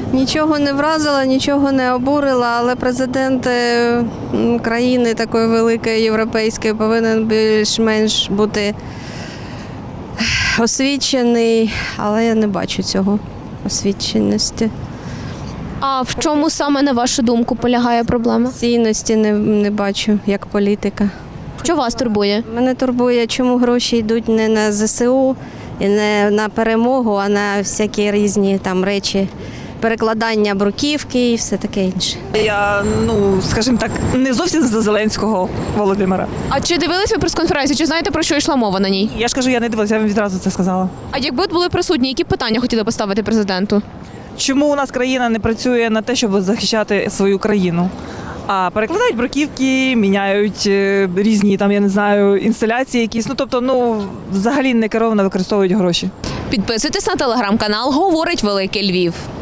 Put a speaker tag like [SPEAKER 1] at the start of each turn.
[SPEAKER 1] Нічого не вразила, нічого не обурила, але президент країни такої великої європейської повинен більш-менш бути освічений, але я не бачу цього освіченості.
[SPEAKER 2] А в чому саме, на вашу думку, полягає проблема?
[SPEAKER 1] Цінності не бачу як політика.
[SPEAKER 2] Що вас турбує?
[SPEAKER 1] Мене турбує, чому гроші йдуть не на ЗСУ і не на перемогу, а на всякі різні там речі, перекладання бруківки і все таке інше.
[SPEAKER 3] Я, скажімо так, не зовсім за Зеленського Володимира.
[SPEAKER 2] А чи дивились ви прес-конференцію? Чи знаєте, про що йшла мова на ній?
[SPEAKER 3] Я ж кажу, я не дивилася, я вам відразу це сказала.
[SPEAKER 2] А якби от були присутні, які питання хотіли поставити президенту?
[SPEAKER 3] Чому у нас країна не працює на те, щоб захищати свою країну? А перекладають бруківки, міняють різні там, я не знаю, інсталяції якісь. Взагалі не керовано використовують гроші.
[SPEAKER 2] Підписуйтесь на телеграм-канал «Говорить Великий Львів».